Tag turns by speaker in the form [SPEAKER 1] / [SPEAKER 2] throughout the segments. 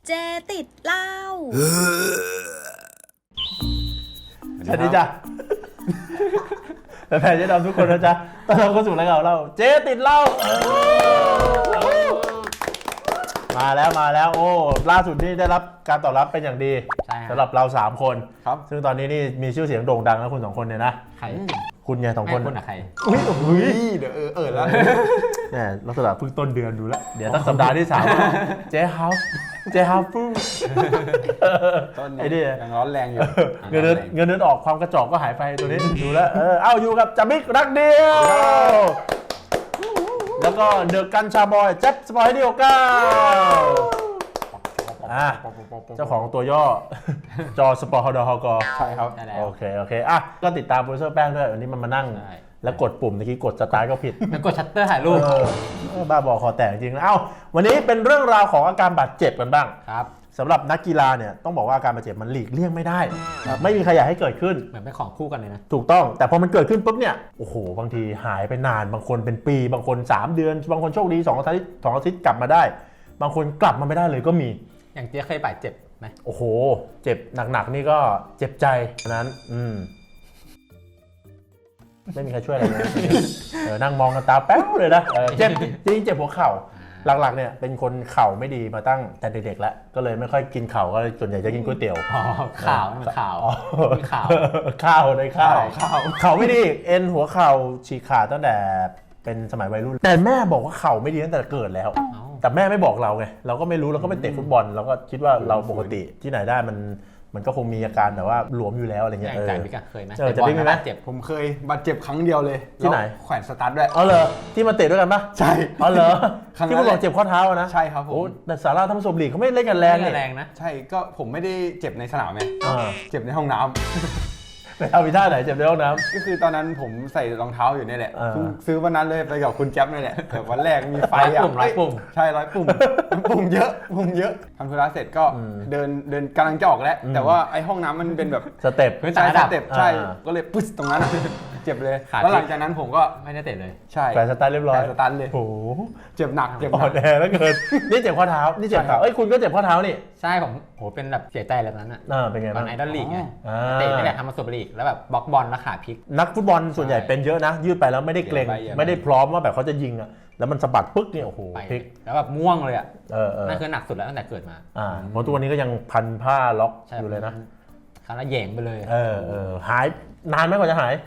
[SPEAKER 1] เจติดเหล้า
[SPEAKER 2] สวัสดีจ้ะแฟนๆเจ๊ดำทุกคนนะจ๊ะตอนเราเข้าสู่รายการเราเจ๊ติดเหล้ามาแล้วโอ้ล่าสุดนี่ได้รับการตอบรับเป็นอย่างดีสำหรับเรา3คนครับซึ่งตอนนี้นี่มีชื่อเสียงโด่งดังแล้วคุณ2คนเนี่ยนะ
[SPEAKER 3] ใคร
[SPEAKER 2] คุณไง2คน
[SPEAKER 3] คุณอะใคร
[SPEAKER 2] อุ้ย
[SPEAKER 4] เดี๋ยวแล้ว
[SPEAKER 2] เนี่ยลักษณะเพิ่งต้นเดือนดูแล้วเดี๋ยวตั้งสัปดาห์ที่3เจ๊ฮาวฟู
[SPEAKER 4] ต้นนี้ยังร้อนแรงอยู่
[SPEAKER 2] เงินเดือนออกความกระจอกก็หายไปตัวนี้ดูแล้วเอาอยู่กับจามิกรักเดียวแล้วก็เดอะกันชาบอยแจ็คสปอยเดียวกันเจ้าของตัวย่อจอสปอร์ฮดก
[SPEAKER 4] ใช่ครับ
[SPEAKER 2] โอเคก็ติดตามโปรดิวเซอร์แป้งด้วยวันนี้มันมานั่งแล้วกดปุ่มเมื่อกี้กดสตาร์ทก็ผิด
[SPEAKER 3] มันกดชัตเตอร์ถ่ายรูป
[SPEAKER 2] บ้าบอคอแตกจริงนะวันนี้เป็นเรื่องราวของอาการบาดเจ็บกันบ้าง
[SPEAKER 3] ครับ
[SPEAKER 2] สำหรับนักกีฬาเนี่ยต้องบอกว่าอาการบาดเจ็บมันหลีกเลี่ยงไม่ได้ไม่มีใครอยากให้เกิดขึ้น
[SPEAKER 3] เหมือนเป็นของคู่กันเลยนะ
[SPEAKER 2] ถูกต้องแต่พอมันเกิดขึ้นปุ๊บเนี่ยโอ้โหบางทีหายไปนานบางคนเป็นปีบางคน3เดือนบางคนโชคดี2อาทิตย์กลับมาได้บางคนกลับมาไม่ได้เลยก็มี
[SPEAKER 3] อย่างเจ๊เคยบาดเจ็บไหม
[SPEAKER 2] โอ้โหเจ็บหนักๆนี่ก็เจ็บใจนั้นไม่มีใครช่วยอะไรเลยนั่งมองกันตาแป๊วเลยนะเจ็บจริงเจ็บหัวเข่าหลักๆเนี่ยเป็นคนเข่าไม่ดีมาตั้งแต่เด็กๆแล้วก็เลยไม่ค่อยกินเข่าก็ส่วนใหญ่จะกินก๋วยเตี๋ยว
[SPEAKER 3] ข่าวมันข่าว
[SPEAKER 2] ข้าวในข้าวเข่าไม่ดีเอ็นหัวเข่าฉีกขาดตั้งแต่เป็นสมัยวัยรุ่นแต่แม่บอกว่าเข่าไม่ดีตั้งแต่เกิดแล้วแต่แม่ไม่บอกเราไงเราก็ไม่รู้เราก็ไปเตะฟุตบอลเราก็คิดว่าเราปกติที่ไหนได้มันก็คงมีอาการแต่ว่าหลวมอยู่แล้วอะไรเงี้ย
[SPEAKER 3] ใจพี่กเคยไหม
[SPEAKER 2] จะพี่มีไหม
[SPEAKER 4] ผมเคยบาดเจ็บครั้งเดียวเลย
[SPEAKER 2] ที่ไหน
[SPEAKER 4] แขวนสตาร์ทด้วย
[SPEAKER 2] อ๋อเหรอที่มาเตะด้วยกันปะ
[SPEAKER 4] ใช่
[SPEAKER 2] อ๋อเหรอที่คุณบอกเจ็บข้อเท้านะ
[SPEAKER 4] ใช่ครับผม
[SPEAKER 2] แต่สาราธรรมศพลีกเขาไม่เล่นกันแรง
[SPEAKER 3] นะ
[SPEAKER 4] ใช่ก็ผมไม่ได้เจ็บในสนามไงเจ็บในห้องน้ำ
[SPEAKER 2] ไปเอาวิท่าไหนเจ็บในห้องน้
[SPEAKER 4] ำก็คือตอนนั้นผมใส่รองเท้าอยู่นี่แหละซื้อวันนั้นเลยไปกับคุณแจ๊บนี่แหละแต่วันแรกมีไฟ
[SPEAKER 3] 100 ปุ่ม
[SPEAKER 4] ใช่100 ปุ่มปุ่มเยอะทำธุระเสร็จก็เดินกำลังจะออกแล้วแต่ว่าไอ้ห้องน้ำมันเป็นแบบ
[SPEAKER 2] สเต็ป
[SPEAKER 4] ใช่ก็เลยปึ๊สตรงนั้นเจ็บเลยแล้วหลังจากนั้นผมก็
[SPEAKER 3] ไม่ได้เตะเลย
[SPEAKER 4] ใช่
[SPEAKER 2] แฝงสตาร์ทเรียบร้อย
[SPEAKER 4] สตาร์ทเลย
[SPEAKER 2] โอ้
[SPEAKER 4] เจ็บหนัก
[SPEAKER 2] อ่อนแอแล้วเกินนี่เจ็บข้อเท้านี่เจ็บเท้าคุณก็เจ็บข้อเท้านี่
[SPEAKER 3] ใช่ผมโหเป็นแบบเสียใจแล้วนั้นอ่ะ
[SPEAKER 2] เป็นไงบ้าง
[SPEAKER 3] ไอดอลลีกไงเตะนี่แหละทำมาสุดลีกแล้วแบบบล็อกบอลแล้วขาพลิก
[SPEAKER 2] นักฟุตบอลส่วนใหญ่เป็นเยอะนะยืดไปแล้วไม่ได้เกรงไม่ได้พร้อมว่าแบบเขาจะยิงอ่ะแล้วมันสะบัดปึ๊กเนี่ยโอ้โหพลิก
[SPEAKER 3] แล้วแบบม่วงเลยอ่ะนั่นคือหนักสุดแล้วตั้งแต่เกิดมา
[SPEAKER 2] เพราะตัวนี้ก็ยังพันผ้าล็อกอยู่เลยนะ
[SPEAKER 3] คาราแย่งไปเลย
[SPEAKER 2] หายนานไหมกว่าจะหาย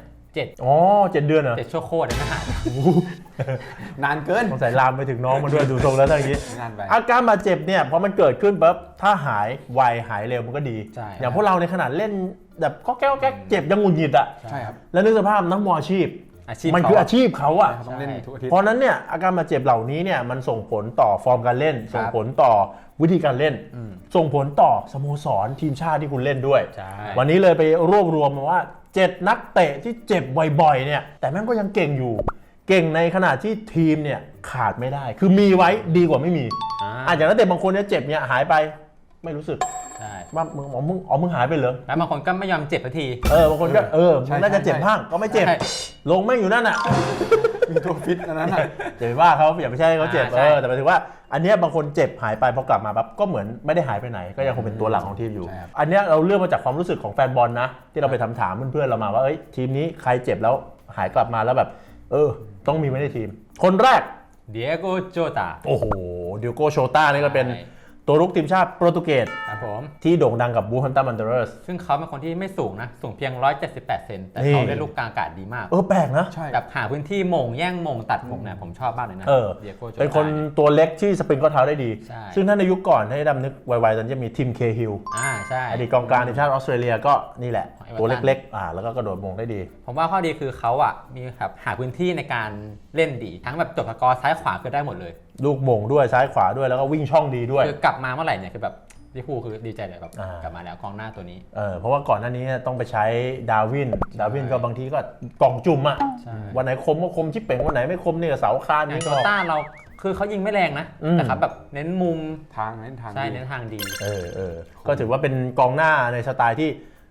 [SPEAKER 2] 7 เดือนเหรอ
[SPEAKER 3] 7 ชั่วโคตรไม่หาย
[SPEAKER 4] นานเกิน
[SPEAKER 2] สงสัยลามไปถึงน้องมันด้วยดูทรงแล้วทั้งนี้อาการบาดเจ็บเนี่ยพอมันเกิดขึ้นปั๊บถ้าหายไวหายเร็วมันก็ดีอย่างพวกเราในขนาดเล่นแบบก็แก้เจ็บยังหงุดหงิดอ่ะ
[SPEAKER 4] ใช่ครับ
[SPEAKER 2] แล้วนึกสภาพนักมวยอาชีพมันคืออาชีพเขาอ่ะเพราะนั้นเนี่ยอาการบาดเจ็บเหล่านี้เนี่ยมันส่งผลต่อฟอร์มการเล่นส่งผลต่อวิธีการเล่นส่งผลต่อสโมสรทีมชาติที่คุณเล่นด้วยวันนี้เลยไปรวบรวมมาว่า7 นักเตะที่เจ็บบ่อยๆเนี่ยแต่แม่งก็ยังเก่งอยู่เก่งในขณะที่ทีมเนี่ยขาดไม่ได้คือมีไว้ดีกว่าไม่มีอาจจะนักเตะบางคนเนี่ยเจ็บเนี่ยหายไปไม่รู้สึกว่ามึงหายไปเหรอ
[SPEAKER 3] แล้วบางคนก็ไม่ยอมเจ็บสักที
[SPEAKER 2] บางคนก็มึงน่าจะเจ็บบ้างก็ไม่เจ็บลงแม่งอยู่นั่นอ่ะ
[SPEAKER 4] มีตัวฟิตอันนั้น
[SPEAKER 2] อย่าไปว่าเขาอย่าไปใช่เขาเจ็บแต่หมายถึงว่าอันนี้บางคนเจ็บหายไปพอกลับมาปั๊บก็เหมือนไม่ได้หายไปไหนก็ยังคงเป็นตัวหลักของทีมอยู่อันนี้เราเลือกมาจากความรู้สึกของแฟนบอลนะที่เราไปถามเพื่อนๆเรามาว่าทีมนี้ใครเจ็บแล้วหายกลับมาแล้วแบบต้องมีไว้ในทีมคนแรก
[SPEAKER 3] เดียโกโจตา
[SPEAKER 2] โอ้โหเดียโกโชต้านี่ก็เป็นตัวรุกทีมชาติโปรตุเกสที่โด่งดังกับบูฮัมตันวันเดอร์ส
[SPEAKER 3] ซึ่งเขาเป็นคนที่ไม่สูงนะสูงเพียง178 เซนแต่เขาได้ลูกกลางอากาศดีมาก
[SPEAKER 2] แปลกนะ
[SPEAKER 3] แบบหาพื้นที่มงแย่งมงตัดมงเนี่ยผมชอบมากเลยนะ
[SPEAKER 2] เป็นคนตัวเล็กที่สปริงข้อเท้าได้ดีซึ่งถ้าในยุคก่อนให้ดำนึกไวๆตอนจะมีทีมเคฮิล
[SPEAKER 3] ใช่
[SPEAKER 2] อดีตกองกลางทีมชาติออสเตรเลียก็นี่แหละตัวเล็กๆแล้วก็กระโดดมงได้ดี
[SPEAKER 3] ผมว่าข้อดีคือเขาอ่ะมีแบบหาพื้นที่ในการเล่นดีทั้งแบบจบสกอร์ซ้ายขวาคือได้หมดเลย
[SPEAKER 2] ลูกมงด้วยซ้ายขวาด้วยแล้วก็วิ่งช่องดีด้วย
[SPEAKER 3] คือกลับมาเมื่อไหร่เนี่ยคือแบบที่คู่คือดีใจเลยแบบกลับมาแล้วกองหน้าตัวนี้
[SPEAKER 2] เพราะว่าก่อนหน้านี้ต้องไปใช้ดาวินก็บางทีก็กล่องจุ่มอ่ะวันไหนคมก็คมชิปเป่งวันไหนไม่คมนี่ก็เสาคานนี่ก็
[SPEAKER 3] ต้าเราคือเขายิงไม่แรงนะแต่ครับแบบเน้นมุม
[SPEAKER 4] เน้นทาง
[SPEAKER 3] ใช่เน้นทางดี
[SPEAKER 2] ก็ถือว่าเป็นกองหน้าในสไตล์ที่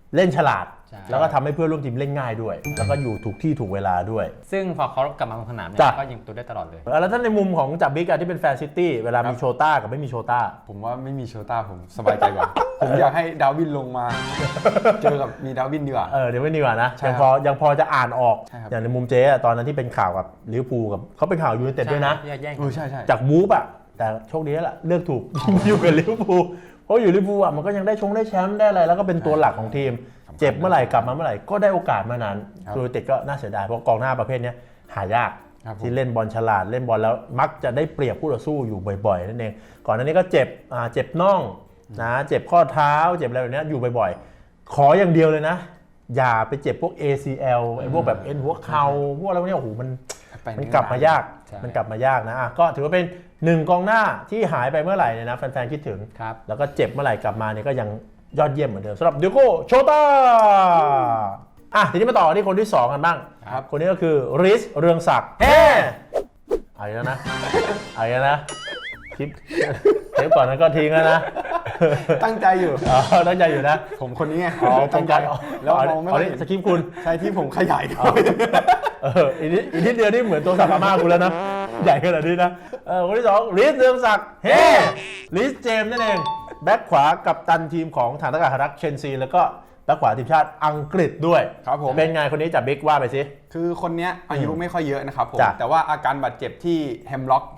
[SPEAKER 2] เล่นฉลาด
[SPEAKER 3] ใช่
[SPEAKER 2] แล้วก็ทำให้เพื่อนร่วมทีมเล่นง่ายด้วย แล้วก็อยู่ถูกที่ถูกเวลาด้วย
[SPEAKER 3] ซึ่งพอเขากลับมาลงสนามเนี่
[SPEAKER 2] จ้ะ
[SPEAKER 3] ยก็ยิงตัวได้ตลอดเลย
[SPEAKER 2] แล้วถ้าในมุมของจับบิ๊กที่เป็นแฟนซิตี้เวลามีโชต้ากับไม่มีโชต้า
[SPEAKER 4] ผมว่าไม่มีโชต้าผมสบายใจกว่า ผมอยากให้ดาร์วินลงมา เจอกับมีดาร์วินดีกว่า
[SPEAKER 2] เดี๋ยวไม่ดีกว่านะ
[SPEAKER 4] ใช่
[SPEAKER 2] ยัง
[SPEAKER 4] ครับ
[SPEAKER 2] ยังพอจะอ่านออก
[SPEAKER 4] ใช่ครับ
[SPEAKER 2] อย่างในมุมเจ๊อะตอนนั้นที่เป็นข่าวกับลิเวอร์พูลกับเขาเป็นข่าวยูไนเต็ดด้วยนะ
[SPEAKER 3] แย่ง
[SPEAKER 4] ใช่ใช่
[SPEAKER 2] จากวูฟอะแต่โชคดีแล้วล่ะเลือกถูก อยู่กับลิเวอร์พูลเพราะอยู่ลิเวอร์พูลอะมันก็ยังได้แชมป์ได้อะไรแล้วก็เป็นตัวหลักของทีม เจ็บเมื่อไหร่กลับมาเมื่อไหร่ก็ได้โอกาสมานั้น
[SPEAKER 4] ครับ
[SPEAKER 2] ยูไนเต็ดก็น่าเสียดายเพราะกองหน้าประเภทเนี้ยหายาก
[SPEAKER 4] ครับผม
[SPEAKER 2] ที่เล่นบอลฉลาดเล่นบอลแล้วมักจะได้เปรียบคู่ต่อสู้อยู่บ่อยๆนั่นเองก่อนหน้านี้ก็เจ็บน่องนะเจ็บข้อเท้าเจ็บอะไรแบบเนี้ยอยู่บ่อยๆ ขออย่างเดียวเลยนะ อย่าไปเจ็บพวก ACL ไอ้พวกแบบเอ็นหัวเข่าพวกอะไรพวกเนี้ยโอ้โหมันกลับมายากมันกลับมายากนะก็ถือว่าเป็น1กองหน้าที่หายไปเมื่อไหร่เนี่ยนะแฟนๆคิดถึง
[SPEAKER 3] ครับ
[SPEAKER 2] แล้วก็เจ็บเมื่อไหร่กลับมาเนี่ยก็ยังยอดเยี่ยมเหมือนเดิมสำหรับเดียโก้โชต้าทีนี้มาต่อที่คนที่ 2 กันบ้าง
[SPEAKER 4] ครับ
[SPEAKER 2] คนนี้ก็คือริสเรืองศักดิ์เฮ้เอาอีกแล้วนะเอาอีกแล้วนะคลิปเทปก่อนนั้นก็ทิ้งแล้วนะ
[SPEAKER 4] ตั้งใจอยู่
[SPEAKER 2] ตั้งใจอยู่นะ
[SPEAKER 4] ผมคนนี้ไง
[SPEAKER 2] ตั้งใจ
[SPEAKER 4] แล้วมองไม่ค่อย
[SPEAKER 2] นี่
[SPEAKER 4] เห็น
[SPEAKER 2] สคริปต์คุณ
[SPEAKER 4] ใช่ที่ผมขยายเข้า
[SPEAKER 2] อีกนิดเดียวนี่เหมือนตัวสักอาม่าคุณแล้วนะ ใหญ่ขนาดนี้นะคนที่ 2ริสเรืองศักดิ์เฮ้ริสเจมส์นั่นเองแบ็คขวากับตันทีมของฐานอากาศรักเชนซีแล้วก็แบ็คขวาทีมชาติอังกฤษด้วย
[SPEAKER 4] ครับผม
[SPEAKER 2] เป็นไงคนนี้จับบิ๊กว่าไปสิ
[SPEAKER 4] คือคนเนี้ยอายุไม่ค่อยเยอะนะครับผม
[SPEAKER 2] จ้ะ
[SPEAKER 4] แต่ว่าอาการบาดเจ็บที่แฮมล็อก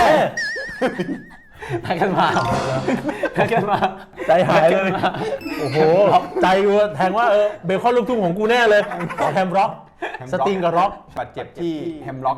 [SPEAKER 3] ให้กันมาให้กันมา
[SPEAKER 2] ใจหายเลย โอ้โห ใจกูแทงว่าเบคอนลูกทุ่งของกูแน่เลยแฮมร็อก สติงกับร็อก
[SPEAKER 4] บาดเจ็บที่แฮมล็อก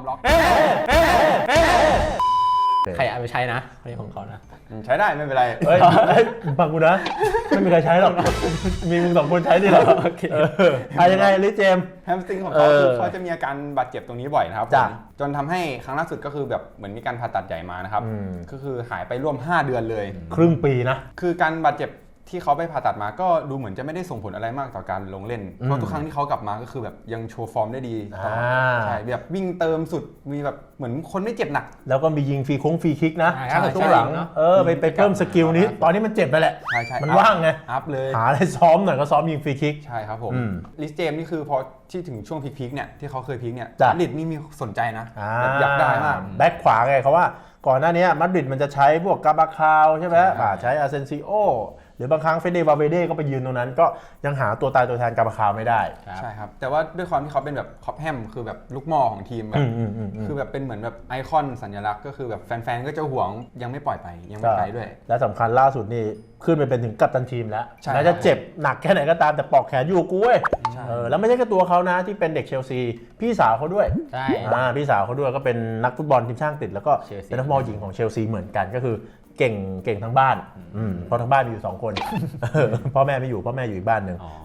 [SPEAKER 3] ใครเอาไปใช้นะคนนี้ของเขานะ
[SPEAKER 4] ใช้ได้ไม่เป็นไร
[SPEAKER 2] เฮ้ยฟังกูนะ ไม่มีใครใช้หรอก มีมึง2 คนใช้ดิหรอ
[SPEAKER 3] โอเค
[SPEAKER 2] ยังไงลิเจมส์
[SPEAKER 4] แฮมสตริงของเขาคือเขาจะมีอาการบาดเจ็บตรงนี้บ่อยนะครับ
[SPEAKER 2] จ้ะ
[SPEAKER 4] ผมจนทำให้ครั้งล่าสุดก็คือแบบเหมือนมีการผ่าตัดใหญ่มานะครับ ก็คือหายไปร่วม 5 เดือนเลย
[SPEAKER 2] ครึ่งปีนะ
[SPEAKER 4] คือการบาดเจ็บที่เขาไปผ่าตัดมาก็ดูเหมือนจะไม่ได้ส่งผลอะไรมากต่อการลงเล่น เพราะทุกครั้งที่เขากลับมาก็คือแบบยังโชว์ฟอร์มได้ดีตลอดใช่แบบวิ่งเติมสุดมีแบบเหมือนคนไม่เจ็บหนัก
[SPEAKER 2] แล้วก็มียิงฟรีคิกนะ
[SPEAKER 3] ใช่
[SPEAKER 2] ช่วงหลัง
[SPEAKER 3] เนอะ
[SPEAKER 2] ไปเพิ่มสกิลนี้ ตอนนี้มันเจ็บไปแหละ
[SPEAKER 4] ใช่
[SPEAKER 2] มันว่างไง
[SPEAKER 4] อัพเลย
[SPEAKER 2] หาอะไรซ้อมหน่อยก็ซ้อมยิงฟรีคิก
[SPEAKER 4] ใช่ครับผม
[SPEAKER 2] อืม
[SPEAKER 4] ลิสเจมนี่คือพอที่ถึงช่วงพีคๆเนี่ยที่เขาเคยพีคเนี่ย
[SPEAKER 2] จ้ะ
[SPEAKER 4] มาดริดนี่มีสนใจนะแบบอยากได้มาก
[SPEAKER 2] แบ็คขวาไงเขาว่าก่อนหน้านี้มาดริดมันจะใช้พวกกาบาคาวใช่ไหมใช้อาเซนซิโอหรือบางครั้งเฟเดวาเวเดก็ไปยืนตรงนั้นก็ยังหาตัวตายตัวแทนกาบาคาวไม่ได้
[SPEAKER 4] ใช่ครับแต่ว่าด้วยความที่เขาเป็นแบบคอปแฮมคือแบบลูกหม่อของทีมแบบ คือแบบเป็นเหมือนแบบไอคอนสัญลักษณ์ก็คือแบบแฟนๆก็จะหวงยังไม่ปล่อยไปยังไม่ไปด้วย
[SPEAKER 2] และสำคัญล่าสุดนี่ขึ้นไปเป็นถึงกัปตันทีมแล้ว
[SPEAKER 4] ใช่
[SPEAKER 2] แม้จะเจ็บหนักแค่ไหนก็ตามแต่ปลอกแขนอยู่กูเว้ย
[SPEAKER 4] ใช่
[SPEAKER 2] แล้วไม่ใช่แค่ตัวเขานะที่เป็นเด็กเชลซีพี่สาวเขาด้วย
[SPEAKER 3] ใช่
[SPEAKER 2] พี่สาวเขาด้วยก็เป็นนักฟุตบอลทีมชาติอังกฤษแล้วก็
[SPEAKER 3] เชลซี
[SPEAKER 2] เป็นนักฟุตบอลหญิงของเชลซีเหมือนกันก็คือเก่งทั้งบ้านเพราะทั้งบ้านมีอยู่2 คน พ่อแม่ไม่อยู่พ่อแม่อยู่อีกบ้านหนึ่ง
[SPEAKER 3] อ๋อ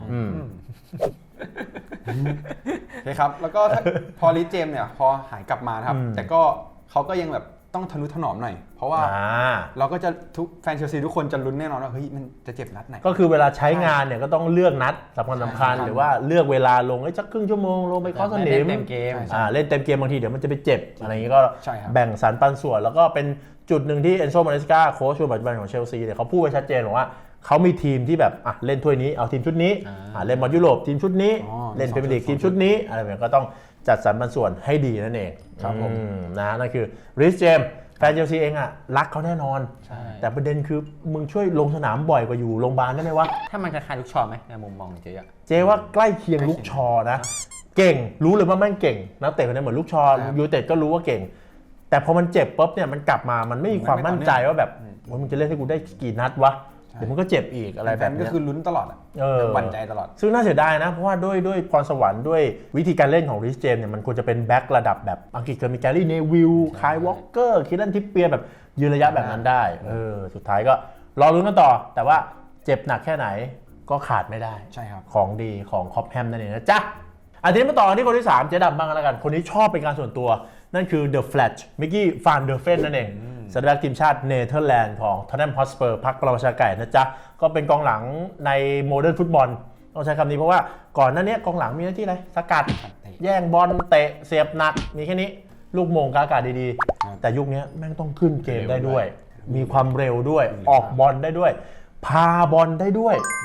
[SPEAKER 4] โอเคครับแล้วก็ถ้าพอลิสเจมเนี่ยพอหายกลับมานะครับแต่ก็เขาก็ยังแบบต้องทะนุถนอมหน่อยเพราะว่าเราก็จะทุกแฟนเชลซีทุกคนจะลุ้นแน่นอนว่าเฮ้ยมันจะเจ็บนัดไหน
[SPEAKER 2] ก็คือเวลาใช้งานเนี่ยก็ต้องเลือกนัดสำคัญ
[SPEAKER 4] ใช่
[SPEAKER 2] หรือว่าเลือกเวลาลงสักครึ่งชั่วโมงลงไปเคาะสนิม
[SPEAKER 3] เต็มเกม
[SPEAKER 2] เล่นเต็มเกมบางทีเดี๋ยวมันจะไปเจ็บอะไรอย่างนี้ก็
[SPEAKER 4] ใช่ครับ
[SPEAKER 2] แบ่งสรรปันส่วน แล้วก็เป็นจุดหนึ่งที่เอนโซ มาเนสกาโค้ชคนปัจจุบันของเชลซีเนี่ยเขาพูดไว้ชัดเจนบอกว่าเขามีทีมที่แบบเล่นถ้วยนี้เอาทีมชุดนี้เล่นบอลยุโรปทีมชุดนี้ เล่นพรีเมียร์ลีกทีมชุดนี้อะไรแบบนี้ก็ต้องจัดสรรปันส่วนให้ดีนั่นเอง
[SPEAKER 4] ครับผม
[SPEAKER 2] นั่นคือริสเจมแฟนเชลซีเองรักเขาแน่นอน
[SPEAKER 3] ใช่
[SPEAKER 2] แต่ประเด็นคือมึงช่วยลงสนามบ่อยกว่าอยู่โรงพยาบาลได้ไหมวะ
[SPEAKER 3] ถ้ามันคล้ายๆลูกชอไหมในมุมมองเจ๊อะ
[SPEAKER 2] เจว่าใกล้เคียงลูกชอนะ เก่งรู้เลยว่าแม่งเก่งนักเตะคนนี้เหมือนลูกชอ
[SPEAKER 4] ครับ
[SPEAKER 2] ยูไนเต็ดก็รู้ว่าเก่ง แต่พอมันเจ็บปุ๊บเนี่ยมันกลับมามันไม่มีความมั่นใจว่าแบบโอ้ยมึงจะเล่นให้กูได้กี่นัดวะเดี๋ยวมึงก็เจ็บอีกอะไร
[SPEAKER 4] แฟ
[SPEAKER 2] แบบ
[SPEAKER 4] นก็
[SPEAKER 2] เนี้ย
[SPEAKER 4] คือลุ้นตลอดอะ หวั่นใจตลอด
[SPEAKER 2] ซึ่งน่าเสียดายนะ เพราะว่าด้วยพรสวรรค์ด้วยวิธีการเล่นของริชเจมส์เนี่ยมันควรจะเป็นแบ็คระดับแบบอังกฤษเคยมีแกรี่เนวิลคายวอลเกอร์คิดลันทิปเปียร์แบบยืนระยะแบบนั้นได้สุดท้ายก็รอลุ้นกันต่อ แต่ว่าเจ็บหนักแค่ไหนก็ขาดไม่ได้
[SPEAKER 4] ใช่ครับ
[SPEAKER 2] ของดีของคอปแฮมนั่นเองนะจ๊ะทีนี้มาต่อกันที่คนที่ 3 เจ๊ดำบ้างกันแล้วกัน คนนี้ชอบเป็นการส่วนตัว นั่นคือ The Flash มิกกี้ฟานเดอร์เฟนนั่นเองสัญลักษณ์ทีมชาติเนเธอร์แลนด์ของท็อตแนมฮอตสเปอร์พรรคประชาไก่นะจ๊ะ ก็เป็นกองหลังในโมเดิร์นฟุตบอลต้องใช้คำนี้เพราะว่าก่อนหน้านี้กองหลังมีหน้าที่อะไรสกัด แย่งบอลเตะเสียบหนักมีแค่นี้ลูกโมงกาอากาศดีๆ แต่ยุคนี้แม่งต้องขึ้นเกมได้ด้วย มีความเร็วด้วยออกบอลได้ด้วย พาบอลได้ด้วย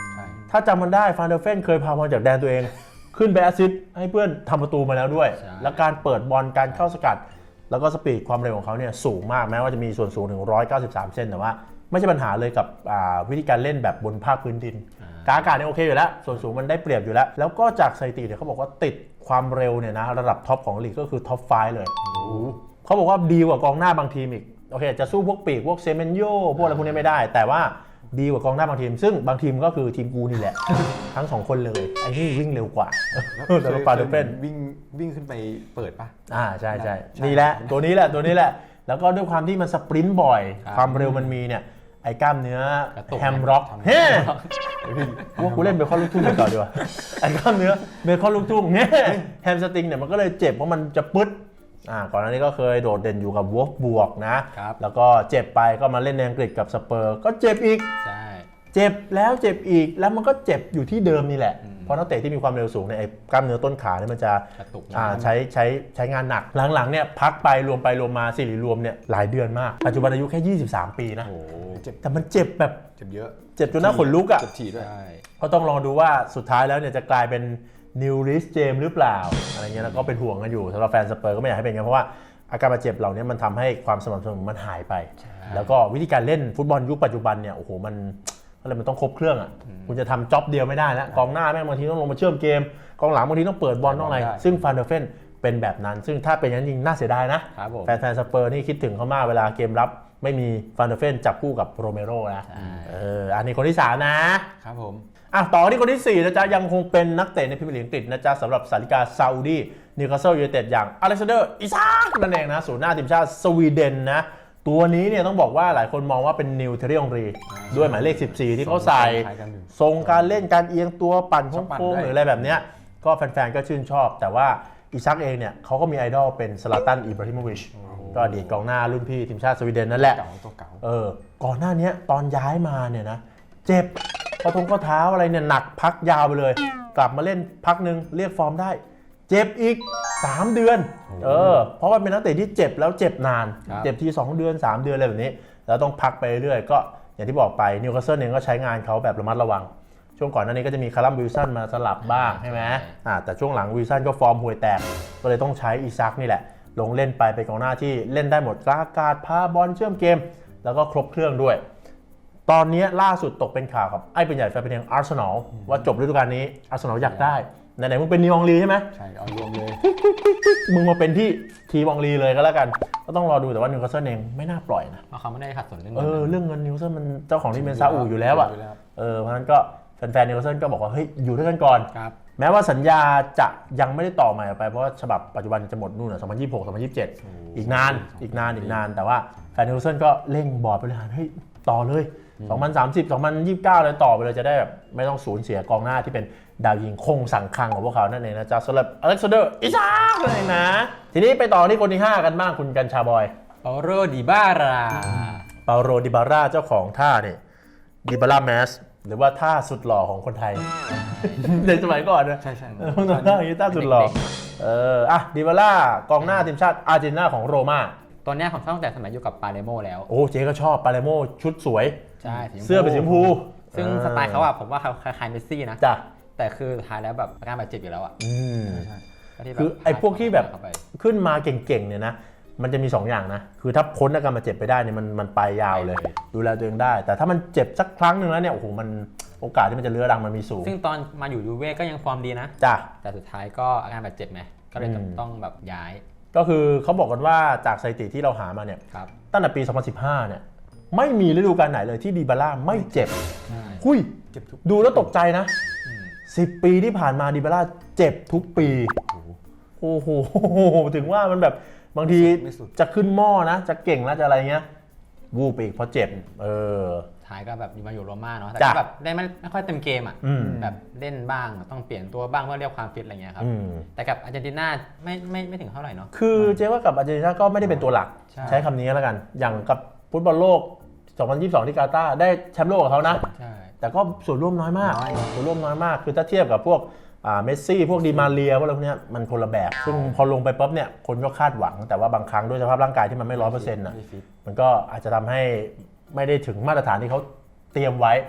[SPEAKER 2] ถ้าจำมันได้ฟานเดอร์เฟนเคยพาบอลจากแดนตัวเองขึ้นไปแอสซิสต์ให้เพื่อนทำประตูมาแล้วด้วย และการเปิดบอลการเข้าสกัดแล้วก็สปีดความเร็วของเขาเนี่ยสูงมากแม้ว่าจะมีส่วนสูงถึง193เซนแต่ว่าไม่ใช่ปัญหาเลยกับวิธีการเล่นแบบบนภาคพื้นดินกาอากาศเนี่ยโอเคอยู่แล้วส่วนสูงมันได้เปรียบอยู่แล้วแล้วก็จากสถิติเนี่ยเขาบอกว่าติดความเร็วเนี่ยนะระดับท็อปของลีกก็คือท็อป5เลยเขาบอกว่าดีกว่ากองหน้าบางทีมอีกโอเคจะสู้พวกปีกพวกเซเมนโยพวกอะไรพวกนี้ไม่ได้แต่ว่าดีกว่ากองหน้าบางทีมซึ่งบางทีมก็คือทีมกูนี่แหละ ทั้ง2คนเลยไอ้นี่วิ่งเร็วกว่าแต่ฟานเดอร์เฟน
[SPEAKER 4] วิ่งขึ้นไปเปิดป่ะ
[SPEAKER 2] ใช่นี่แหละตัวนี้แหละแล้วก็ด้วยความที่มันสปรินต์บ่อยความเร็วมันมีเนี่ยไอ้กล้ามเนื้อแฮมร็อกเฮ้ว่ากูเล่นเบคอนลูกทุ่งก่อนดีกว่าไอ้กล้ามเนื้อเบคอนลูกทุ่งเนี่ยแฮมสตริงเนี่ยมันก็เลยเจ็บเพราะมันจะปึ๊ดก่อนหน้านี้ก็เคยโดดเด่นอยู่กับวอล์ฟบวกนะแล้วก็เจ็บไปก็มาเล่นในอังกฤษกับสเปอร์ก็เจ็บอีกเจ็บแล้วเจ็บอีกแล้วมันก็เจ็บอยู่ที่เดิมนี่แหละเพราะนักเตะที่มีความเร็วสูงเนี่ยไอ้กล้ามเนื้อต้นขาเนี่ยมันจะใช้งานหนักหลังๆเนี่ยพักไปรวมมาสิริรวมเนี่ยหลายเดือนมากปัจจุบันอายุแค่23 ปีนะแต่มันเจ็บแบบ
[SPEAKER 4] เจ็บเยอะ
[SPEAKER 2] เจ็บจนหน้าขนลุกอ่ะ
[SPEAKER 4] เจ็บถี่ด้วย
[SPEAKER 2] ก็ต้องลองดูว่าสุดท้ายแล้วเนี่ยจะกลายเป็นนิวริสเจมหรือเปล่าอะไรเงี้ยแล้วก็เป็นห่วงกันอยู่สำหรับแฟนสเปอร์ก็ไม่อยากให้เป็นงั้นเพราะว่าอาการบาดเจ็บเหล่านี้มันทำให้ความสม่ำเสมอมันหายไปแล้วก็วิธีการเล่นฟุตบอลยุคปัจจุบันเนี่ยโอ้โหมันต้องครบเครื่องอ่ะคุณจะทำจ็อบเดียวไม่ได้แล้วกองหน้าแม่งบางทีต้องลงมาเชื่อมเกมกองหลังบางทีต้องเปิดบอลต้องอะไรซึ่งฟานเดอร์เฟนเป็นแบบนั้นซึ่งถ้าเป็นอย่างนั้นจริงน่าเสียดายนะแฟนสเปอร์นี่คิดถึงเขามากเวลาเกมรับไม่มีฟานเดอร์เฟนจับคู่กับโรเมโรนะอันนี้คนที่3นะครับ
[SPEAKER 4] ผม
[SPEAKER 2] ต่อที่คนที่4นะจ๊ะยังคงเป็นนักเตะในพรีเมียร์ลีกอังกฤษนะจ๊ะสำหรับสาริกาซาอุดีนิวคาสเซิลยูไนเต็ดอย่างอเล็กซานเดอร์อิซากนั่นเองนะศูนย์หน้าทีมชาติสวีเดนนะตัวนี้เนี่ยต้องบอกว่าหลายคนมองว่าเป็นนิวเทเรียองรีด้วยหมายเลข14ที่เขาใส่ทรงการเล่นการเอียงตัวปั่นโค้งหรืออะไรแบบเนี้ยก็แฟนๆก็ชื่นชอบแต่ว่าอิซักเองเนี่ยเขาก็มีไอดอลเป็นซลาตันอิบราฮิโมวิชก็อดีตกองหน้ารุ่นพี่ทีมชาติสวีเดนนั่นแหละก่อนหน้านี้ตอนย้ายมาเนี่ยนะเจ็บข้อเท้าอะไรเนี่ยหนักพักยาวไปเลยกลับมาเล่นพักนึงเรียกฟอร์มได้เจ็บอีก3 เดือนเพราะว่าเป็นนักเตะที่เจ็บแล้วเจ็บนานเจ็บที2 เดือน3 เดือนอะไรแบบนี้แล้วต้องพักไปเรื่อยก็อย่างที่บอกไปนิวคาสเซิลเองก็ใช้งานเขาแบบระมัดระวังช่วงก่อนหน้านี้ก็จะมีคารัมวิลสันมาสลับบ้างใช่ไหมแต่ช่วงหลังวิลสันก็ฟอร์มห่วยแตกก็เลยต้องใช้อิซักนี่แหละลงเล่นไปเป็นกองหน้าที่เล่นได้หมดกลางอากาศพาบอลเชื่อมเกมแล้วก็ครบเครื่องด้วยตอนนี้ล่าสุดตกเป็นข่าวกับไอ้เป็นใหญ่แฟนเพลงอาร์เซนอลว่าจบฤดูกาลนี้อาร์เซนอลอยากได้ไหนๆมึงเป็นนิวองลีใช่ไหม
[SPEAKER 4] ใช่เอารวมเลย
[SPEAKER 2] มึงมาเป็นที่ทีวองลีเลยก็แล้วกันก็ต้องรอดูแต่ว่านิวคาสเซิลเองไม่น่าปล่อยนะ
[SPEAKER 3] เพราะเขาไม่ได้ขัดสนเรื่อง
[SPEAKER 2] เงินเรื่องเงินนิวคาสเซิลมันเจ้าของที่เป็นซาอุอยู่แล้วอ่ะเพราะฉะนั้นก็แฟนๆนิวคาสเซิลก็บอกว่าเฮ้ยอยู่ด้วยกันก่อนแม้ว่าสัญญาจะยังไม่ได้ต่อใหม่ออกไปเพราะว่าฉบับปัจจุบันจะหมดนู่น2026 2027อีกนานแต่ว่าแฟนนิวคาสเซิลก็เร่งบอร์ดบริหารเฮ้ยต่อเลย2030 2029เลยต่อไปเลยจะได้แบบไม่ต้องสูญเสียกองหน้าที่เป็นดาวยิงคงสังคังของพวกเขานั่นเองนะจ๊ะสำหรับอเล็กซานเดอร์อิซากเลยนะทีนี้ไปต่อที่คนที่5กันบ้างคุณกัญชาบอย
[SPEAKER 3] เปาโรดิบา
[SPEAKER 2] ร่าเจ้าของท่าเนี่ยดิบาร่าแมสหรือว่าท่าสุดหล่อของคนไทยในสมัยก่อนนะ
[SPEAKER 4] ใช่
[SPEAKER 2] ท่าอย่างนี้ท่าสุดหล่อดิบาร่ากองหน้าทีมชาติอาร์เจนตินาของโรม่า
[SPEAKER 3] ตอนนี้ผมชอบตั้งแต่สมัยอยู่กับปาเลโมแล้ว
[SPEAKER 2] โอ้เจ๊ก็ชอบปาเลโมชุดสวย
[SPEAKER 3] ใช่
[SPEAKER 2] เสื้อเป็นสีชมพู
[SPEAKER 3] ซึ่งสไตล์เขาผมว่าคล้ายๆเมสซี่นะแต่คือสุดท้ายแล้วแบบอาการบาดเจ็บอยู่แล้ว
[SPEAKER 2] คือไอ้พวกที่แบบขึ้นมาเก่งๆเนี่ยนะมันจะมี2อย่างนะคือถ้าพ้นอาการบาดเจ็บไปได้เนี่ยมันไปยาวเลยดูแลตัวเองได้แต่ถ้ามันเจ็บสักครั้งหนึ่งแล้วเนี่ยโอ้โหมันโอกาสที่มันจะเลื้อรังมันมีสูง
[SPEAKER 3] ซึ่งตอนมาอยู่ยูเว่ก็ยังฟอร์มดีนะแต่สุดท้ายก็อาการบาดเจ็บไหมก็เลยต้องแบบย้าย
[SPEAKER 2] ก็คือเขาบอกกันว่าจากสถิติที่เราหามาเนี่ยตั้งแต่ปี2015เนี่ยไม่มีฤดูกาลไหนเลยที่ดิบาร่าไม่เจ็บดูแล้วตกใจนะ10 ปีที่ผ่านมาดิบาร่าเจ็บทุกปีโอ้โหถึงว่ามันแบบบางทีจะขึ้นหม้อนะจะเก่งแล้วจะอะไรเงี้ยวูบไปอีกเพราะเจ็บ
[SPEAKER 3] ท้ายก็แบบมาอยู่โรม่าเนาะแต่ก็แบบได้ไม่ค่อยเต็มเกมแบบเล่นบ้างต้องเปลี่ยนตัวบ้างเพื่อเรียกความฟิตอะไรเงี้ยครับแต่กับอาร์เจนตินาไม่ถึงเท่าไหร่เนาะ
[SPEAKER 2] คือเจ๊ว่ากับอาร์เจนตินาก็ไม่ได้เป็นตัวหลักใช้คำนี้แล้วกันอย่างกับฟุตบอลโลก2022ที่กาตาร์ได้แชมป์โลกกับเขานะแต่ก็ส่วนร่วมน้อยมากคือถ้าเทียบกับพวกเมสซี่พวกดีมาเรียพวกอะไรพวกนี้มันคนละแบบซึ่งพอลงไปปุ๊บเนี่ยคนก็คาดหวังแต่ว่าบางครั้งด้วยสภาพร่างกายที่มันไม่ 100% นะมันก็อาจจะทำให้ไม่ได้ถึงมาตรฐานที่เขาเตรียมไว้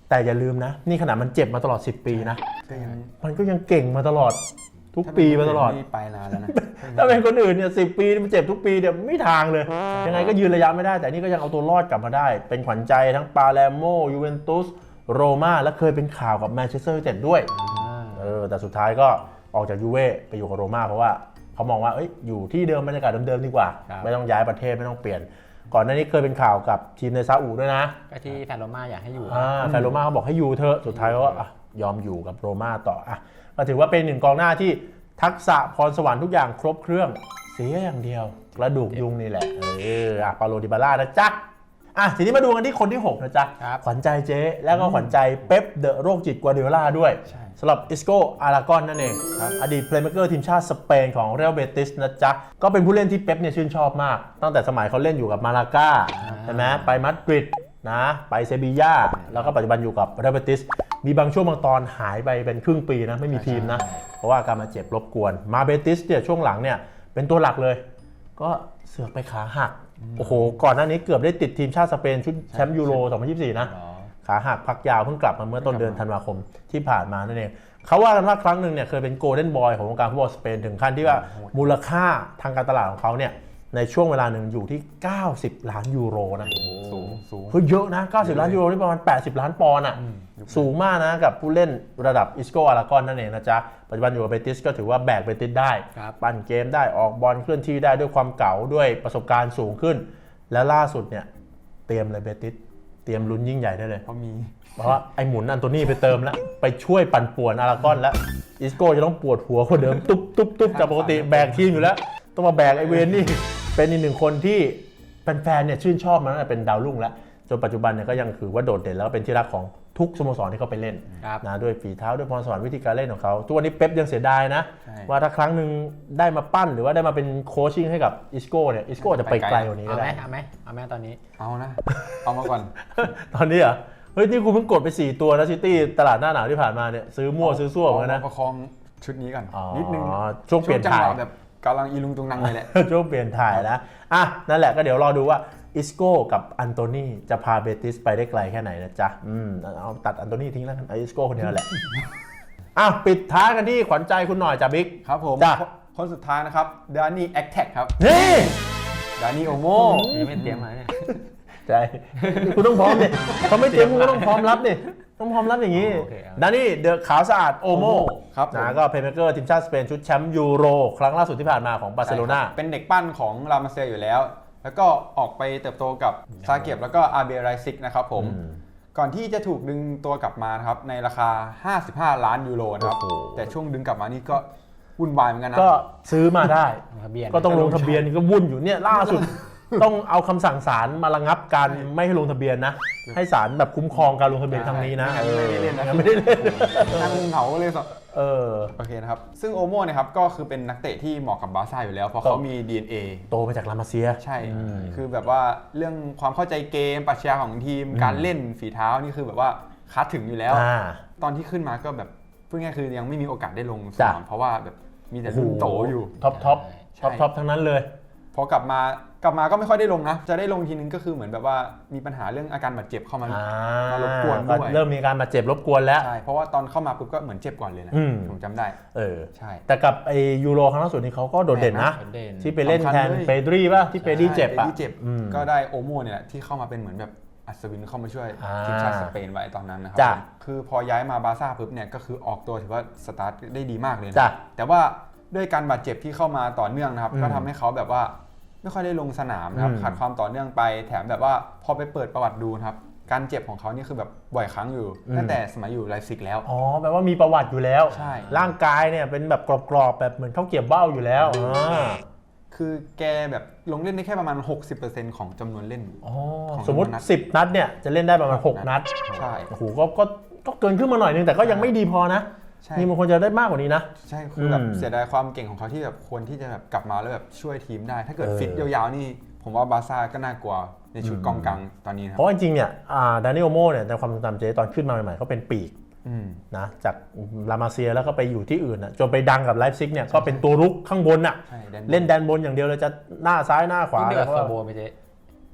[SPEAKER 2] แต่อย่าลืมนะนี่ขนาดมันเจ็บมาตลอด10 ปีนะ
[SPEAKER 4] ก็ยัง
[SPEAKER 2] มันก็ยังเก่งมาตลอดทุกปีมาตลอด
[SPEAKER 4] นี่ไปนานแล้วนะ
[SPEAKER 2] ถ้าเป็นคนอื่นเนี่ย10 ปีมันเจ็บทุกปีเดี๋ยวไม่ทางเลย ยังไงก็ยืนระยะไม่ได้ แต่นี่ก็ยังเอาตัวรอดกลับมาได้ เป็นขวัญใจทั้งปาเลโมยูเวนตุสโรม่าและเคยเป็นข่าวกับแมนเชสเตอร์ยูไนเต็ดด้วยแต่สุดท้ายก็ออกจากยูเว่ไปอยู่กับโรม่าเพราะว่าเขามองว่าอยู่ที่เดิมบรรยากาศเดิมๆดีกว่า ไม่ต้องย้ายประเทศไม่ต้องเปลี่ยน ก่อนหน้านี้เคยเป็นข่าวกับทีมในซาอุด้วยนะ
[SPEAKER 3] ก็ที่แฟนโรม่าอยากให้อยู่
[SPEAKER 2] แฟนโรม่าเขาบอกให้อยู่เถอะสุดท้ายก็ยอมอยู่กับโรม่าต่อก็ถือว่าเป็นหนึ่งกองหน้าที่ทักษะพรสวรรค์ทุกอย่างครบเครื่องเสียอย่างเดียวกระดูกยุงนี่แหละปาโลดิบาล่านะจ๊ะทีนี้มาดูกันที่คนที่6นะจ๊ะขวัญใจเจ๊แล้วก็ขวัญใจเป๊ปเดอะโรคจิตกัวเดโอล่าด้วยสำหรับอิสโกอาราโกอนนั่นเองอดีตเพลย์เมคเกอร์ทีมชาติสเปนของเรอัลเบติสนะจ๊ะก็เป็นผู้เล่นที่เป๊ปเนี่ยชื่นชอบมากตั้งแต่สมัยเขาเล่นอยู่กับมาลาก้าใช่ไหมไปมาดริดนะไปเซบีย่าแล้วก็ปัจจุบันอยู่กับเรอัลเบติสมีบางช่วงบางตอนหายไปเป็นครึ่งปีนะไม่มีทีมนะเพราะว่าการมาเจ็บรบกวนมาเบติสเนี่ยช่วงหลังเนี่ยเป็นตัวหลักเลยก็เสือกไปขาหักโอ้โหก่อนหน้านี้เกือบได้ติดทีมชาติสเปนชุดแชมป์ยูโร 2024 นะขาหักพักยาวเพิ่งกลับมาเมื่อต้นเดือนธันวาคมที่ผ่านมานั่นเองเขาว่ากันว่าครั้งหนึ่งเนี่ยเคยเป็นโกลเด้นบอยของวงการฟุตบอลสเปนถึงขั้นที่ว่ามูลค่าทางการตลาดของเขาเนี่ยในช่วงเวลาหนึ่งอยู่ที่90 ล้านยูโรนะ
[SPEAKER 4] สูง
[SPEAKER 2] คือเยอะนะ90 ล้านยูโรนี่ประมาณ80 ล้านปอนด์อ่ะสูงมากนะกับผู้เล่นระดับอิสโกอาราโกอนนั่นเองนะจ๊ะปัจจุบันอยู่กับเบติสก็ถือว่าแบกเบติสได้ปั่นเกมได้ออกบอลเคลื่อนที่ได้ด้วยความเก๋าด้วยประสบการณ์สูงขึ้นและล่าสุดเนี่ยเตรียมเลยเบติสเตรียมลุ้นยิ่งใหญ่ได้เลยเพราะว่าไอ้หมุนอันโตนี่ไปเติมแล้วไปช่วยปั่นป่วนอาราโกอนแล้วอิสโกจะต้องปวดหัวคนเดิมตุ๊บจากปกติแบกทีมอยู่แล้วต้องมาแบกไอเวนนี่เป็นอีกหนึ่งคนที่แฟนๆเนี่ยชื่นชอบมาตั้งแต่เป็นดาวรุ่งแล้วจนปัจจุบันเนี่ยก็ยังถือว่าโดดเด่นแล้วเป็นที่รักของทุกสโมสรที่เขาไปเล่นนะด้วยฝีเท้าด้วยพรสวรรค์วิธีการเล่นของเขาทุกวันนี้เป๊ปยังเสียดายนะว่าถ้าครั้งหนึ่งได้มาปั้นหรือว่าได้มาเป็นโคชชิ่งให้กับอิสโก้เนี่ยอิสโก้จะไปไกลกว่านี้ก็ได้
[SPEAKER 3] เอาไหมตอนนี้
[SPEAKER 4] เอานะเอามาก่อน
[SPEAKER 2] ตอนนี้เหรอเฮ้ยนี่กูเพิ่งกดไป4ตัวนะซิตี้ตลาดหน้าหนาวที่ผ่านมาเนี่ยซื้อมั่วซื้อซั่วเหมือนกันนะ
[SPEAKER 4] ประคองชุดนี้ก่อนนิดนึง
[SPEAKER 2] ช่วงเปลี่ยนถ่าย
[SPEAKER 4] แบบกำลังอีลุงตุงนังเลยแหละ
[SPEAKER 2] ช่วงเปลี่ยนถ่ายนะนั่นแหละก็เดี๋ยวรอดูว่าอิสโก้กับอันโตนีจะพาเบติสไปได้ไกลแค่ไหนนะจ๊ะเอาตัดอันโตนีทิ้งแล้วกันอิสโก้คนเดียวแหละปิดท้ายกันที่ขวัญใจคุณหน่อยจ้ะบิ๊ก
[SPEAKER 4] ครับผมคนสุดท้ายนะครับดานี่แอคแท็กครับ
[SPEAKER 2] นี่
[SPEAKER 4] ดานี่โอโม
[SPEAKER 3] นี่ไม่เตรียมมาเนี่ย
[SPEAKER 2] ใช่คุณต้องพร้อมเนี่ยเขาไม่เตรียมคุณก็ต้องพร้อมรับนี่ต้องพร้อมรับอย่างนี้ดานี่เดอะขาวสะอาดโอโม
[SPEAKER 4] ครับ
[SPEAKER 2] นะก็เพลย์เมคเกอร์ทีมชาติสเปนชุดแชมป์ยูโรครั้งล่าสุดที่ผ่านมาของบาร์เซโลนา
[SPEAKER 4] เป็นเด็กปั้นของลามาเซียอยู่แล้วแล้วก็ออกไปเติบโตกับซาเก็บแล้วก็อาเบไรซิกนะครับผมก่อนที่จะถูกดึงตัวกลับมาครับในราคา55 ล้านยูโรนะครับแต่ช่วงดึงกลับมานี่ก็วุ่นวายเหมือนกันนะ
[SPEAKER 2] ก็ซื้อมาได้ก็ต้องลงทะเบียนก็วุ่นอยู่เนี่ยล่าสุดต้องเอาคำสั่งศาลมาระงับการไม่ให้ลงทะเบียนนะให้ศาลแบบคุ้มครองการลงทะเบียนครั้งนี้นะ
[SPEAKER 4] ไม่ได้เล่นนะ
[SPEAKER 2] ไม่ได้เล่น
[SPEAKER 4] นั่งเหงาเลยสักโอเคนะครับซึ่งโอโม่นะครับก็คือเป็นนักเตะที่เหมาะกับบาร์ซ่าอยู่แล้วเพราะเขามี DNA
[SPEAKER 2] โตมาจากลามาเซีย
[SPEAKER 4] ใช่คือแบบว่าเรื่องความเข้าใจเกมปรัชญาของทีมการเล่นฝีเท้านี่คือแบบว่าคัดถึงอยู่แล้วตอนที่ขึ้นมาก็แบบพูดง่ายคือยังไม่มีโอกาสได้ลงสนามเพราะว่าแบบมีแต่รุ่นโตอยู่
[SPEAKER 2] ท็อปทั้งนั้นเลย
[SPEAKER 4] พอกลับมาก็ไม่ค่อยได้ลงนะจะได้ลงทีนึงก็คือเหมือนแบบว่ามีปัญหาเรื่องอาการบาดเจ็บเข้ามารบกวนด้วย
[SPEAKER 2] เริ่มมีการบาดเจ็บรบกวนแล้ว
[SPEAKER 4] ใช่เพราะว่าตอนเข้ามาปุ๊บก็เหมือนเจ็บก่อนเลยนะผมจำได้
[SPEAKER 2] ใช่แต่กับไอยูโรครั้งล่าสุดนี้เขาก็โดดเด่นนะที่ไปเล่นแทนเปดรีป่ะที่เปดรีเจ็บอ่ะ
[SPEAKER 4] ก็ได้โอโม่เนี่ยที่เข้ามาเป็นเหมือนแบบอัศวินเข้ามาช่วยทีมชาติสเปนไว้ตอนนั้นนะครับคือพอย้ายมาบาร์ซ่าปุ๊บเนี่ยก็คือออกตัวถือว่าสตาร์ทได้ดีมากเลยนะแต่ว่าด้วยการบาดเจ็บที่เข้ามาต่อเนื่องนะครับก็ทำให้เขาแบบว่าไม่ค่อยได้ลงสนามนะครับขาดความต่อเนื่องไปแถมแบบว่าพอไปเปิดประวัติดูนะครับการเจ็บของเขานี่คือแบบบ่อยครั้งอยู่ตั้งแต่สมัยอยู่ไลฟ์ซิกแล้ว
[SPEAKER 2] แปลว่ามีประวัติอยู่แล้ว
[SPEAKER 4] ใช่
[SPEAKER 2] ร่างกายเนี่ยเป็นแบบกรอบๆแบบเหมือนข้าวเกรี๊ยวเบ้าอยู่แล้ว
[SPEAKER 4] คือแกแบบลงเล่นได้แค่ประมาณ 60% ของจำนวนเล่น
[SPEAKER 2] สมมติ10 นัดเนี่ยจะเล่นได้ประมาณ6 นัด
[SPEAKER 4] ใช่
[SPEAKER 2] โอ้โหก็เกินขึ้นมาหน่อยนึงแต่ก็ยังไม่ดีพอนะนี่มันควรจะได้มากกว่านี้นะ
[SPEAKER 4] ใช่คือแบบเสียดายความเก่งของเขาที่แบบควรที่จะแบบกลับมาแล้วแบบช่วยทีมได้ถ้าเกิดฟิตยาวๆนี่ผมว่าบาร์ซ่าก็น่ากลัวในชุดกองกลางตอนนี้ครับ
[SPEAKER 2] เพราะจริงๆเนี่ยดานิโอโมเนี่ยในความทรงจำเจตอนขึ้นมาใหม่ๆเขาเป็นปีกนะจากลามาเซียแล้วก็ไปอยู่ที่อื่นจนไปดังกับไลฟ์ซิกเนี่ยก็เป็นตัวรุกข้างบนเล่นแดนบนอย่างเดียวเลยจะหน้าซ้ายหน้าขวา
[SPEAKER 3] เดือดฟอร์โบไม่ใช่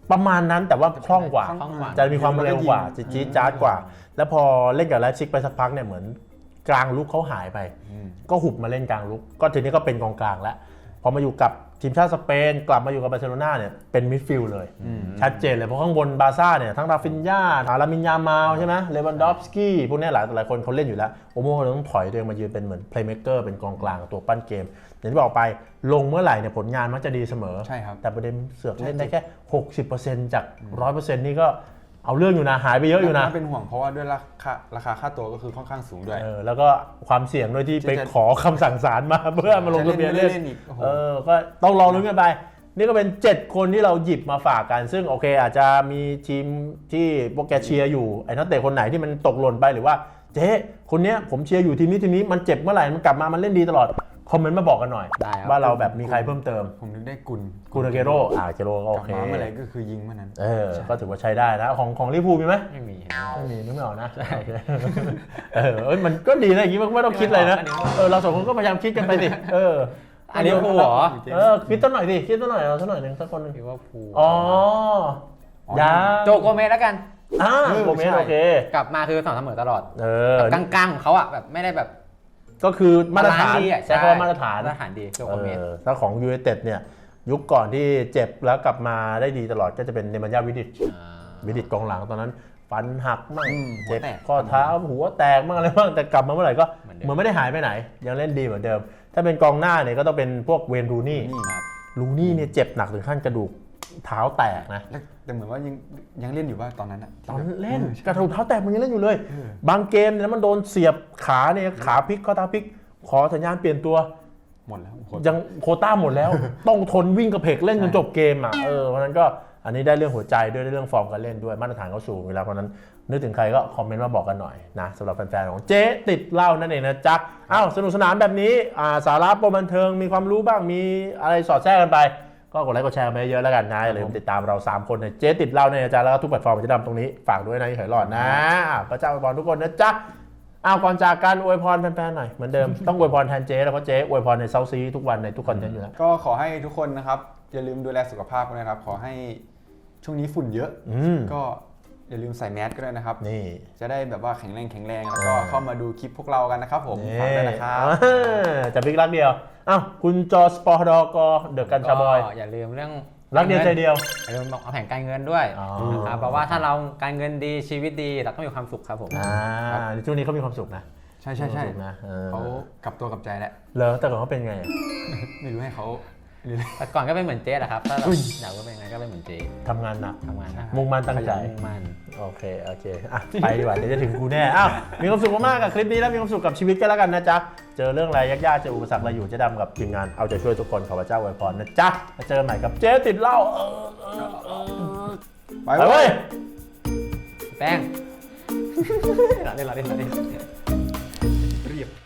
[SPEAKER 2] ประมาณนั้นแต่ว่าคล่องกว่า
[SPEAKER 3] คล่องกว่า
[SPEAKER 2] จะมีความเร็วกว่าจะจี๊ดจ๊าดกว่า แล้วพอเล่นกับไลฟ์ซิกไปสักพักเนี่ยเหมือนกลางลุกเขาหายไป ก็หุบมาเล่นกลางลุกก็ทีนี้ก็เป็นกองกลางแล้วพอมาอยู่กับทีมชาติสเปนกลับมาอยู่กับบาร์เซโลนาเนี่ยเป็นมิดฟิลด์เลยชัดเจนเลยเพราะข้างบนบาร์ซ่าเนี่ยทั้งราฟินญ่าลามินยามาลใช่ไหมเลวันดอฟสกี้พวกนี้หลายคนเขาเล่นอยู่แล้วโอโม่เขาต้องถอยตัวเองมายืนเป็นเหมือนเพลย์เมคเกอร์เป็นกองกลางตัวปั้นเกมอย่างที่บอกไปลงเมื่อไหร่เนี่ยผลงานมักจะดีเสมอ
[SPEAKER 4] ใช่ครับ
[SPEAKER 2] แต่ประเด็นเสือกเล่นได้แค่ 60% จาก 100% นี่ก็เอาเรื่องอยู่นะหายไปเยอะอยู่นะ
[SPEAKER 4] น่าเป็นห่วงเพราะว่าด้วยราคาค่าตัวก็คือค่อนข้างสูงด้วย
[SPEAKER 2] แล้วก็ความเสี่ยงด้วยที่ไปขอคำสั่งศาลมาเพื่อมาลงทะเบียนเล่น
[SPEAKER 4] อีกโอ้โห
[SPEAKER 2] ก็ต้องรอลุ้นกันไป นี่ก็เป็น 7 คนที่เราหยิบมาฝากกัน ซึ่งโอเคอาจจะมีทีมที่พวกแกเชียร์อยู่ไอ้นักเตะคนไหนที่มันตกหล่นไปหรือว่าเจ๊คนเนี้ยผมเชียร์อยู่ทีมนี้มันเจ็บเมื่อไหร่มันกลับมามันเล่นดีตลอดคอมเมนต์มาบอกกันหน่อย
[SPEAKER 3] ได้ครับ
[SPEAKER 2] ว่าเราแบบมีใครเพิ่มเติม
[SPEAKER 4] ผมนึกได้กุล
[SPEAKER 2] กูนาเกโร่เกโร่ก็
[SPEAKER 4] ก
[SPEAKER 2] โอ
[SPEAKER 4] ลับ
[SPEAKER 2] เค
[SPEAKER 4] มาเมื่อไหร่ก็คือยิงเมื่อนั้น
[SPEAKER 2] ก็ถือว่าใช้ได้นะของลิเวอร์พูลมีไหม
[SPEAKER 3] ไม่มี
[SPEAKER 2] ไม่มีนึกไม่ออกนะโอเคมันก็ดีนะอย่างนี้มันไม่ต้องคิดเลยนะเราสองคนก็พยายามคิดกันไปดิ
[SPEAKER 3] อันนี้พูลเหรอ
[SPEAKER 2] คิดต้นหน่อยดิคิดต้นหน่อยเราสักหน่อยหนึ่งสักคนหนึง
[SPEAKER 3] คิดว่าพูล
[SPEAKER 2] อ๋อ ยา
[SPEAKER 3] โจโกเมสแล้วกัน
[SPEAKER 2] โกเมสโอเค
[SPEAKER 3] กลับมาคือสม่ำเสมอตลอด
[SPEAKER 2] แบบ
[SPEAKER 3] กลางๆของเขาอ่ะแบบไม่ได้แบบ
[SPEAKER 2] ก็คือมาตรฐาน
[SPEAKER 3] ดีอ่ะ
[SPEAKER 2] ใช้คำว่ามาตรฐาน
[SPEAKER 3] มาตรฐานดีโจโกเมส
[SPEAKER 2] ถ้าของยูไนเต็ดเนี่ยยุคก่อนที่เจ็บแล้วกลับมาได้ดีตลอดก็จะเป็นเนมันยาวิดิชกองหลังตอนนั้นฟันหักมั่งเจ็บข้อเท้าหัวแตกมั่งอะไรบ้างแต่กลับมาเมื่อไหร่ก็เหมือนไม่ได้หายไปไหน ยังเล่นดีเหมือนเดิม ถ้าเป็นกองหน้าเนี่ยก็ต้องเป็นพวกเวนรูนี่ลูนี่เนี่ยเจ็บหนักถึงขั้นกระดูกเท้าแตกนะ
[SPEAKER 4] แต่เหมือนว่ายังเล่นอยู่ว่าตอนนั้นอะ
[SPEAKER 2] ตอนเล่นกระดูกเท้าแตกมันยังเล่นอยู่เลย บางเกมเนี่ยมันโดนเสียบขาเนี่ยขาพลิกข้อเท้าพลิกขอสัญญาณเปลี่ยนตัว
[SPEAKER 4] หมดแล้ว
[SPEAKER 2] ยังโควต้าหมดแล้ว ต้องทนวิ่งกระเพกเล่นจนจบเกมอ่ะเพราะฉะนั้นก็อันนี้ได้เรื่องหัวใจด้วยได้เรื่องฟอร์มการเล่นด้วยมาตรฐานเขาสูงอยู่แล้วเพราะฉะนั้นนึกถึงใครก็คอมเมนต์มาบอกกันหน่อยนะสำหรับแฟนๆของเจ๊ติดเหล้านั่นเองนะจ๊ะสนุกสนานแบบนี้สาระโปรบันเทิงมีความรู้บ้างมีอะไรสอดแทรกกันไปก็กดไลค์กดแชร์ไปเยอะแล้วกันนะอย่าลืมติดตามเรา3คนในเจ๊ติดเหล้าเนี่ยนะจ๊ะแล้วก็ทุกแพลตฟอร์มจะดำตรงนี้ฝากด้วยนะอย่าเหยหลอดนะพระเจ้าอวยพรทุกคนนะจ๊ะก่อนจากการอวยพรแฟนๆหน่อยเหมือนเดิม ต้องอวยพรแทนเจ๊แล้วเพราะเจ๊อวยพรในเซาซีทุกวันในทุกคอนเทนต์อยู่แล้ว
[SPEAKER 4] ก็ขอให้ทุกคนนะครับอย่าลืมดูแลสุขภาพกันนะครับขอให้ช่วงนี้ฝุ่นเยอะก็อย่าลืมใส่แมสก็ด้วยนะครับ
[SPEAKER 2] นี่
[SPEAKER 4] จะได้แบบว่าแข็งแรงแล้วก็เข้ามาดูคลิปพวกเรากันนะครับผมฝากด้วยนะครับ
[SPEAKER 2] จะบิ๊กรักเดียวคุณจอสปอร์ดกเดอะกันชาบอย
[SPEAKER 3] ก็อย่าลืมเรื่อง
[SPEAKER 2] รักเดียวใจเดียว
[SPEAKER 3] อย่าลืมบอกเอาแผนการเงินด้วยนะครับเพราะว่าถ้าเราการเงินดีชีวิตดีเราต้องมีความสุขครับผม
[SPEAKER 2] ในช่วงนี้เขามีความสุขนะ
[SPEAKER 4] ใช่
[SPEAKER 2] มีความสุขนะ
[SPEAKER 4] เขากลับตัวกลับใจแล้ว
[SPEAKER 2] เหรอแต่ก่อนเขาเป็นไง
[SPEAKER 4] ไม่รู้ให้เขา
[SPEAKER 3] แต่ก่อนก็เป็นเหมือนเจ๊แหละครับถ้าเราอยากว่าเป็นไงก็เป็นเหมือนเจ๊
[SPEAKER 2] ทำงานหนัก
[SPEAKER 3] ทำงานนะ
[SPEAKER 2] มุ่งมั่นตั้งใจ
[SPEAKER 3] มุ่งมั่น
[SPEAKER 2] โอเคไปดีกว่าเดี๋ยวจะถึงกูแน่มีความสุขมากๆกับคลิปนี้แล้วมีความสุขกับชีวิตกันแล้วกันนะจ๊ะเจอเรื่องอะไรยากๆเจออุปสรรคอะไรอยู่เจ๊ดำกับทีมงานเอาใจช่วยทุกคนขอพระเจ้าอวยพรนะจ๊ะมาเจอกันใหม่กับเจ๊ติดเหล้าไปเว้ย
[SPEAKER 3] แป้ง เล่น